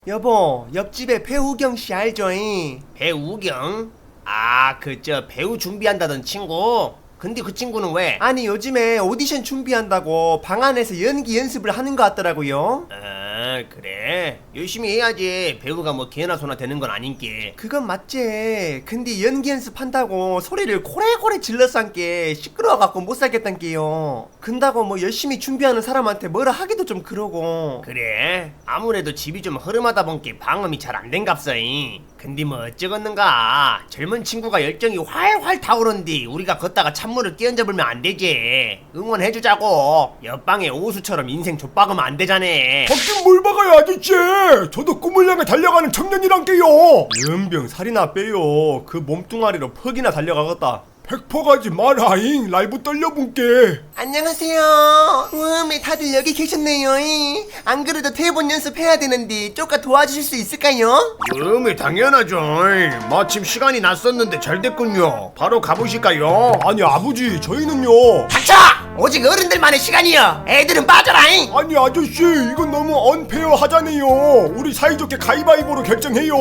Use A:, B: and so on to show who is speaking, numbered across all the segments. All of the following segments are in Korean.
A: 여보, 옆집에 배우경 씨 알죠잉?
B: 배우경? 아, 배우 준비한다던 친구? 근데 그 친구는 왜?
A: 아니 요즘에 오디션 준비한다고 방 안에서 연기 연습을 하는 것 같더라고요.
B: 아, 그래? 열심히 해야지. 배우가 뭐 개나 소나 되는 건 아닌게.
A: 그건 맞지. 근데 연기 연습한다고 소리를 고래고래 질러싼게 시끄러워갖고 못 살겠단게요. 근다고 뭐 열심히 준비하는 사람한테 뭐라 하기도 좀 그러고.
B: 그래? 아무래도 집이 좀 허름하다 본게 방음이 잘 안 된갑서잉. 근데 뭐 어쩌겠는가. 젊은 친구가 열정이 활활 타오른디 우리가 걷다가 찬물을 끼얹어불면 안 되지. 응원해주자고. 옆방에 오수처럼 인생 좆박으면 안 되자네.
C: 박긴 뭘 박아요 아저씨. 저도 꿈을 향해 달려가는 청년이란게요.
A: 연병 살이나 빼요. 그 몸뚱아리로 퍽이나 달려가겠다.
C: 백퍼가지 마라잉. 라이브 떨려본게.
A: 안녕하세요. 다들 여기 계셨네요. 안 그래도 대본 연습해야 되는데 쪼까 도와주실 수 있을까요?
B: 당연하죠. 마침 시간이 났었는데 잘 됐군요. 바로 가보실까요?
C: 아니 아버지 저희는요.
B: 닥쳐! 오직 어른들만의 시간이여. 애들은 빠져라잉.
C: 아니 아저씨 이건 너무 언페어 하잖아요. 우리 사이좋게 가위바위보로 결정해요.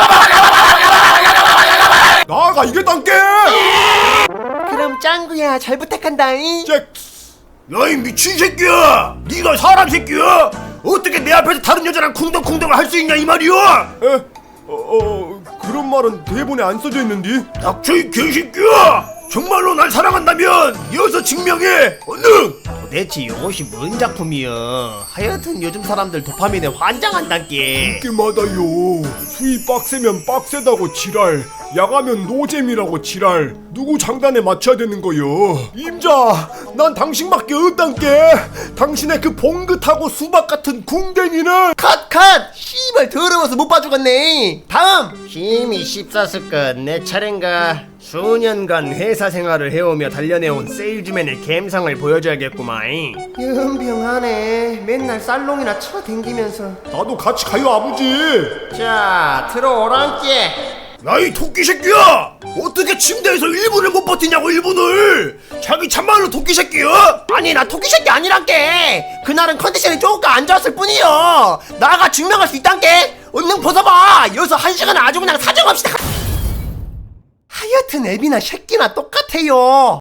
C: 나가 이게 단게.
A: 그럼 짱구야 잘 부탁한다잉.
C: 잭.
B: 야이 미친 새끼야! 네가 사람 새끼야! 어떻게 내 앞에서 다른 여자랑 쿵덕쿵덕을 할 수 있냐 이 말이야!
C: 에? 그런 말은 대본에 안 써져 있는데.
B: 닥쳐 이 개새끼야! 정말로 날 사랑한다면 이어서 증명해! 얼른! 도대체 이것이 뭔 작품이여? 하여튼 요즘 사람들 도파민에 환장한단께.
C: 게마다요. 수위 빡세면 빡세다고 지랄, 야가면 노잼이라고 지랄. 누구 장단에 맞춰야 되는 거요? 임자, 난 당신밖에 없단께. 당신의 그 봉긋하고 수박 같은 궁뎅이는.
A: 컷! 씨발 더러워서 못 봐주겠네. 다음!
B: 힘이 씹쌌을것. 내 차례인가? 수년간 회사 생활을 해오며 단련해온 세일즈맨의 감성을 보여줘야겠구만.
A: 연병하네. 맨날 살롱이나 쳐댕기면서.
C: 나도 같이 가요 아버지.
A: 자 들어오란께.
B: 야이 토끼 새끼야! 어떻게 침대에서 1분을 못 버티냐고 1분을! 자기 참말로 토끼 새끼야?
A: 아니 나 토끼 새끼 아니란께. 그날은 컨디션이 조금 안 좋았을 뿐이요. 나가 증명할 수 있단께. 얼른 벗어봐. 여기서 1시간은 아주 그냥 사정없이 하여튼 애비나 새끼나 똑같아요.